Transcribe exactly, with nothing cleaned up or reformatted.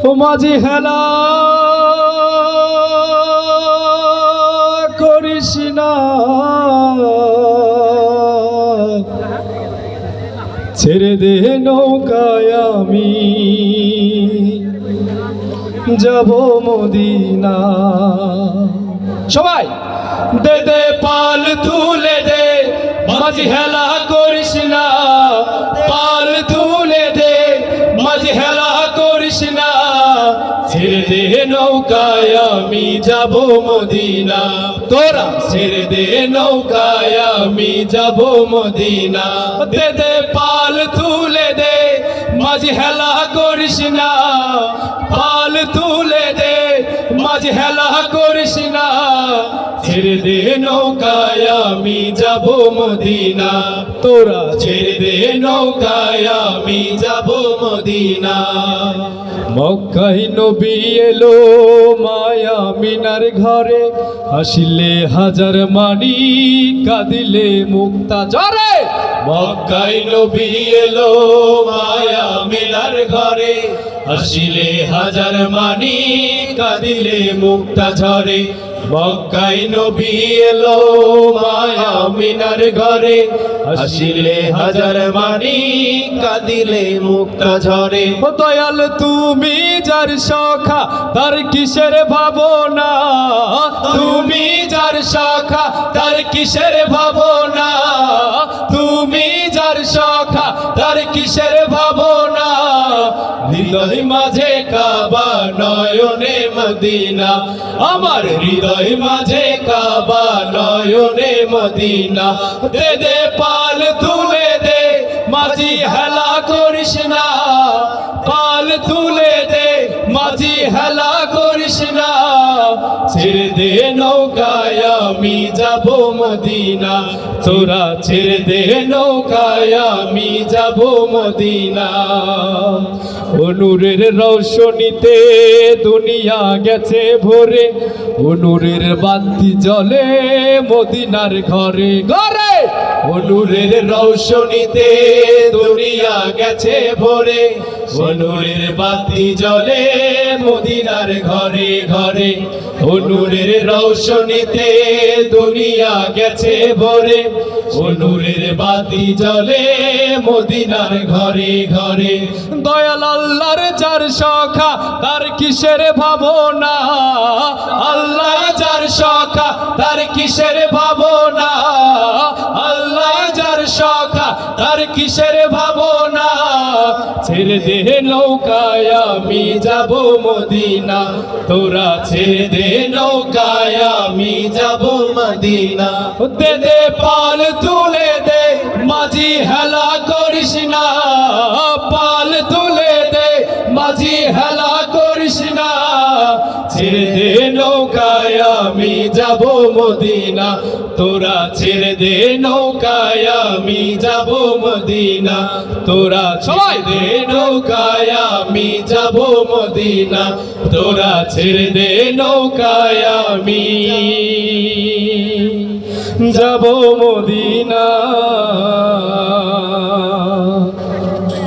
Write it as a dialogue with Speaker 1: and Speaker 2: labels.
Speaker 1: ও মাঝি হেলা করিস না, ছেড়ে দে নৌকায় আমি যাব মদিনা। সবাই দে দে পাল তুলে দে, মাঝি হেলা করিস না, পাল তুলে দে, মাঝি হেলা করিস না, ছেড়ে দে নৌকায় আমি যাব মদিনা। তোরা ছেড়ে দে নৌকায় আমি যাব মদিনা। দে দে পাল তুলে দে, মাঝি হেলা করিস না, পাল তুলে দে, মাঝি হেলা করিস না, ছেড়ে দে নৌকায় আমি যাব মদিনা। তোরা ছেড়ে দে নৌকায় আমি যাব মদিনা। মক্কায় নবী এলো মায়া মিনার ঘরে, হাসিলে হাজার মানি কাঁদিলে মুক্তা ঝরে। মক্কায় নবী এলো মায়া মিনার ঘরে, হাসিলে হাজার মানি কাঁদিলে মুক্তা ঝরে। মক্কায় নবী এলো মায়া মিনার ঘরে, হাসিলে হাজার মানি কাঁদিলে মুক্তা ঝরে। ও দয়াল তুমি যার সখা তার কিসের ভাবনা, তুমি যার সখা তার কিসের ভাবনা, তুমি যার সখা তার কিসের ভাবনা। হৃদয় মাঝে কাবা নয়নে মদিনা, আমার হৃদয় মাঝে কাবা নয়নে মদিনা। দে দে পাল তুলে দে, মাঝি হেলা করিস না, পাল তুলে দে, মাঝি হেলা করিস না, ছেড়ে দে নৌকায় আমি যাব মদিনা। তোরা ছেড়ে দে নৌকায় আমি যাব মদিনা। নূরের রৌশনীতে দুনিয়া গেছে ভরে, নূরের বাতি জ্বলে মদিনার ঘরে ঘরে। নূরের রৌশনীতে দুনিয়া গেছে ভরে, নূরের বাতি জ্বলে মদিনার ঘরে ঘরে। নূরের রৌশনীতে দুনিয়া গেছে ভরে, নূরের বাতি জ্বলে মদিনার ঘরে ঘরে। দয়াল আল্লাহর যার সখা তার কিসের ভাবনা, আল্লাহ যার সখা তার কিসের ভাবনা, আল্লাহ যার সখা তার কিসের ভাবনা। ছেড়ে দে নৌকায় আমি যাব মদিনা, তোরা ছেড়ে দে নৌকায় আমি যাব মদিনা। দে দে পাল তুলে দে, মাঝি হেলা করিস না, পাল তুলে দে, মাঝি হেলা করিস না, ছেড়ে দে নৌকায় আমি যাব মদিনা। তোরা ছেড়ে দে নৌকায় আমি যাব মদিনা। তোরা ছেড়ে দে নৌকায় আমি যাব মদিনা। তোরা ছেড়ে দে নৌকায় আমি যাব মদিনা।